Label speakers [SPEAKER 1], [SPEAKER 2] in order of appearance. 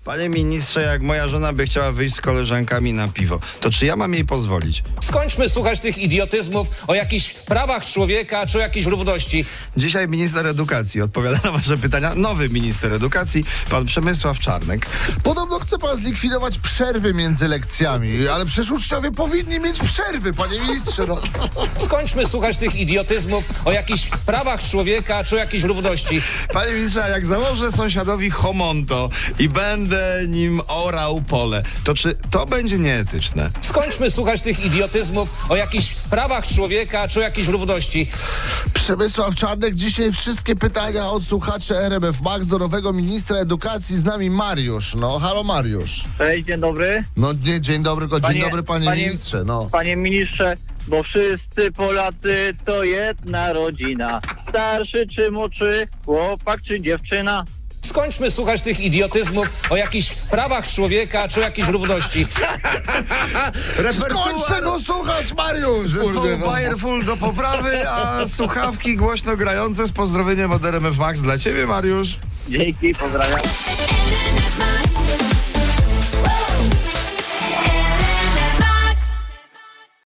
[SPEAKER 1] Panie ministrze, jak moja żona by chciała wyjść z koleżankami na piwo, to czy ja mam jej pozwolić?
[SPEAKER 2] Skończmy słuchać tych idiotyzmów o jakichś prawach człowieka czy o jakiejś równości.
[SPEAKER 1] Dzisiaj minister edukacji odpowiada na wasze pytania. Nowy minister edukacji, pan Przemysław Czarnek.
[SPEAKER 3] Podobno chce pan zlikwidować przerwy między lekcjami, ale przecież uczniowie powinni mieć przerwy, panie ministrze. No.
[SPEAKER 2] Skończmy słuchać tych idiotyzmów o jakichś prawach człowieka czy o jakiejś równości.
[SPEAKER 1] Panie ministrze, a jak założę sąsiadowi homonto i będę nim orał pole, to czy to będzie nieetyczne?
[SPEAKER 2] Skończmy słuchać tych idiotyzmów o jakichś prawach człowieka czy o jakiejś równości.
[SPEAKER 3] Przemysław Czarnek, dzisiaj wszystkie pytania od słuchaczy RMF Max do nowego ministra edukacji. Z nami Mariusz. No, halo Mariusz.
[SPEAKER 4] Cześć, dzień dobry.
[SPEAKER 3] No nie, dzień dobry, dzień dobry panie ministrze. No.
[SPEAKER 4] Panie ministrze, bo wszyscy Polacy to jedna rodzina. Starszy czy młodszy, chłopak czy dziewczyna.
[SPEAKER 2] Skończmy słuchać tych idiotyzmów o jakichś prawach człowieka czy o jakiejś równości.
[SPEAKER 3] Skończ tego słuchać, Mariusz!
[SPEAKER 1] Zespołu
[SPEAKER 3] Kurde, no.
[SPEAKER 1] Fireful do poprawy, a słuchawki głośno grające z pozdrowieniem od RMF Max dla ciebie, Mariusz.
[SPEAKER 4] Dzięki, pozdrawiam.